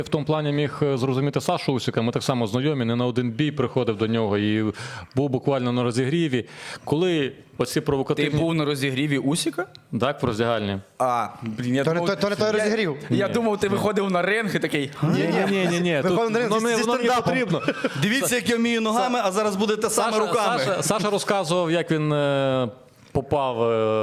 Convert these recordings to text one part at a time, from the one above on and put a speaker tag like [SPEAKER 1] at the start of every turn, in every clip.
[SPEAKER 1] В тому плані міг зрозуміти Сашу Усика, ми так само знайомі, не на один бій приходив до нього і був буквально на розігріві. Коли оці провокативні...
[SPEAKER 2] Ти був на розігріві Усика?
[SPEAKER 1] Так, в роздягальні.
[SPEAKER 2] Блін, я
[SPEAKER 3] То
[SPEAKER 2] думав,
[SPEAKER 3] не той розігрів.
[SPEAKER 2] я думав, ти виходив на ринг і такий...
[SPEAKER 1] Ні.
[SPEAKER 3] Виходимо на ринг зі
[SPEAKER 1] Воно мені
[SPEAKER 3] стендапом.
[SPEAKER 1] потрібно.
[SPEAKER 4] Дивіться, як я вмію ногами, а зараз будете саме руками.
[SPEAKER 1] Саша розказував, як він попав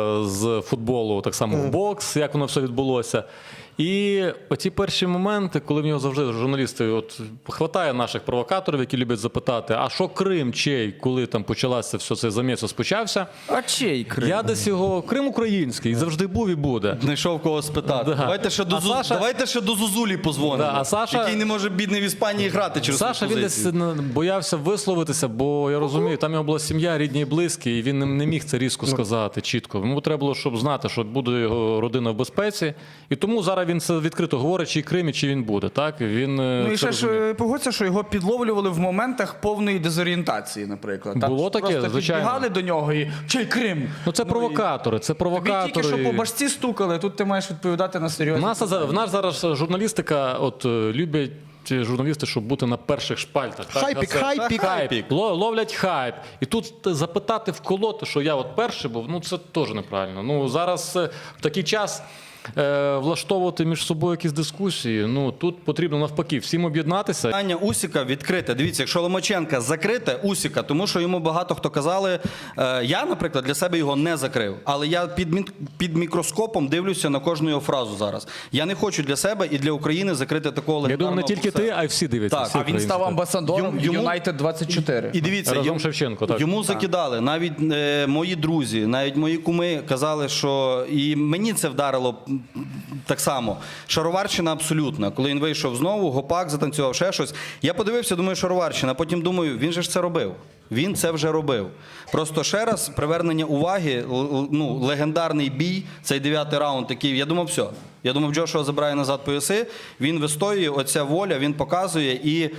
[SPEAKER 1] з футболу так само в бокс, як воно все відбулося. І оці перші моменти, коли в нього завжди журналісти, от хватає наших провокаторів, які люблять запитати, а що Крим, чий, коли там почалося все це заміс розпочався.
[SPEAKER 2] А чий Крим?
[SPEAKER 1] Я десь його, Крим український, завжди був і буде.
[SPEAKER 4] Знайшов кого спитати.
[SPEAKER 1] Да.
[SPEAKER 4] Давайте ще до Зузулі позвонимо,
[SPEAKER 1] Да, а Саша-
[SPEAKER 4] який не може бідний в Іспанії грати через
[SPEAKER 1] Саша,
[SPEAKER 4] свою
[SPEAKER 1] він десь
[SPEAKER 4] позицію.
[SPEAKER 1] боявся висловитися, бо я розумію, там його була сім'я, рідні і близькі, і він не міг це різко сказати чітко. Йому треба було, щоб знати, що буде його родина в безпеці. І тому зараз він це відкрито говорить, чи Крим, і чи він буде. Так? Він
[SPEAKER 2] Ну і
[SPEAKER 1] це
[SPEAKER 2] ще
[SPEAKER 1] розуміє.
[SPEAKER 2] ж погодься, що його підловлювали в моментах повної дезорієнтації, наприклад. Там
[SPEAKER 1] Було таке,
[SPEAKER 2] просто
[SPEAKER 1] звичайно.
[SPEAKER 2] підбігали до нього і «Чий Крим?»
[SPEAKER 1] Ну це провокатори, це
[SPEAKER 2] Тобі
[SPEAKER 1] провокатори.
[SPEAKER 2] тільки що по башці стукали, тут ти маєш відповідати на серйозні.
[SPEAKER 1] В нас зараз журналістика, от люблять журналісти, щоб бути на перших шпальтах. Так?
[SPEAKER 3] Хайпік,
[SPEAKER 1] Це-
[SPEAKER 3] хайпік.
[SPEAKER 1] хайп. Ловлять хайп. І тут запитати вколоти, що я от перший був, ну це теж неправильно. Ну зараз в такий час влаштовувати між собою якісь дискусії, ну тут потрібно навпаки всім об'єднатися.
[SPEAKER 4] Питання Усика відкрите. Дивіться, якщо Ломаченка закрите, Усика, тому що йому багато хто казали, я, наприклад, для себе його не закрив, але я під мікроскопом дивлюся на кожну його фразу зараз. Я не хочу для себе і для України закрити такого
[SPEAKER 1] Я
[SPEAKER 4] легендарного
[SPEAKER 1] думаю, не тільки ти,
[SPEAKER 4] боксера.
[SPEAKER 1] а й всі дивляться.
[SPEAKER 4] Так,
[SPEAKER 1] всі
[SPEAKER 2] А він став
[SPEAKER 1] українці.
[SPEAKER 2] амбасадором
[SPEAKER 4] Йому-
[SPEAKER 2] Юнайтед 24.
[SPEAKER 4] І дивіться,
[SPEAKER 1] Разом Шевченко, так.
[SPEAKER 4] йому закидали. Навіть мої друзі, навіть мої куми казали, що і мені це вдарило так само. Шароварщина абсолютна. Коли він вийшов знову, гопак затанцював, ще щось. Я подивився, думаю, шароварщина. Потім думаю, він же ж це робив. Він це вже робив. Просто ще раз привернення уваги, ну, легендарний бій, цей 9-й раунд такий. Я думав, все. Я думав, Джошуа забирає назад пояси. Він вистоює, оця воля, він показує і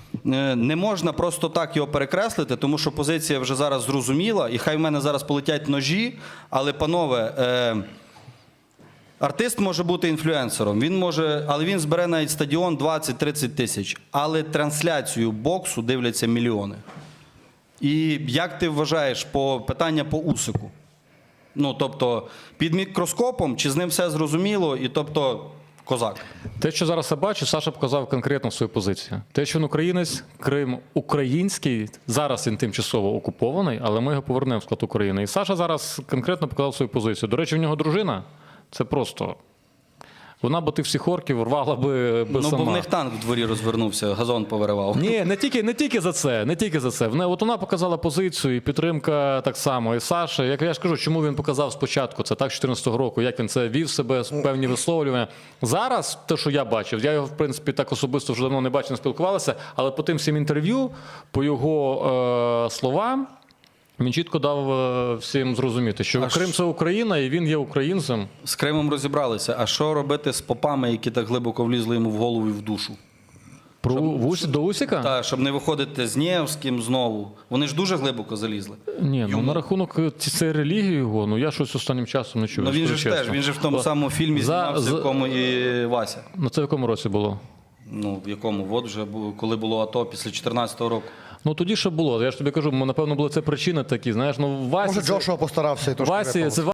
[SPEAKER 4] не можна просто так його перекреслити, тому що позиція вже зараз зрозуміла, і хай в мене зараз полетять ножі, але, панове, артист може бути інфлюенсером, але він збере навіть стадіон 20-30 тисяч, але трансляцію боксу дивляться мільйони. І як ти вважаєш питання по Усику? Ну, тобто, під мікроскопом, чи з ним все зрозуміло, і тобто, козак?
[SPEAKER 1] Те, що зараз я бачу, Саша показав конкретно свою позицію. Те, що він українець, Крим український, зараз він тимчасово окупований, але ми його повернемо в склад України. І Саша зараз конкретно показав свою позицію. До речі, в нього дружина, це просто... Вона б тих всіх орків рвала би
[SPEAKER 4] Ну,
[SPEAKER 1] сама.
[SPEAKER 4] бо в них танк в дворі розвернувся, газон повиривав.
[SPEAKER 1] Ні, не тільки за це, не тільки за це. От вона показала позицію, і підтримка так само. І Саша, як я ж кажу, чому він показав спочатку, це так, 14-го року, як він це вів себе, певні висловлювання. Зараз, те, що я бачив, я його, в принципі, так особисто вже давно не бачив, не спілкувалися, але по тим всім інтерв'ю, по його словам, він чітко дав всім зрозуміти, що Крим – це Україна, і він є українцем.
[SPEAKER 4] З Кримом розібралися. А що робити з попами, які так глибоко влізли йому в голову і в душу?
[SPEAKER 1] До Усика?
[SPEAKER 4] Так, щоб не виходити з Нєвським знову. Вони ж дуже глибоко залізли.
[SPEAKER 1] Ні, ну на рахунок цієї релігії його, ну я щось останнім часом не чую.
[SPEAKER 4] Ну він же
[SPEAKER 1] скажу
[SPEAKER 4] ж теж,
[SPEAKER 1] чесно.
[SPEAKER 4] він же в тому самому фільмі знімався, в якому і Вася.
[SPEAKER 1] Ну це в якому році було?
[SPEAKER 4] Ну, в якому? От вже, коли було АТО, після 14-го року.
[SPEAKER 1] Ну тоді ще було. Я ж тобі кажу, напевно, були це причини такі, знаєш, ну Васі...
[SPEAKER 3] Може, Джошуа постарався і трошки
[SPEAKER 1] Васі,
[SPEAKER 3] випав.
[SPEAKER 1] це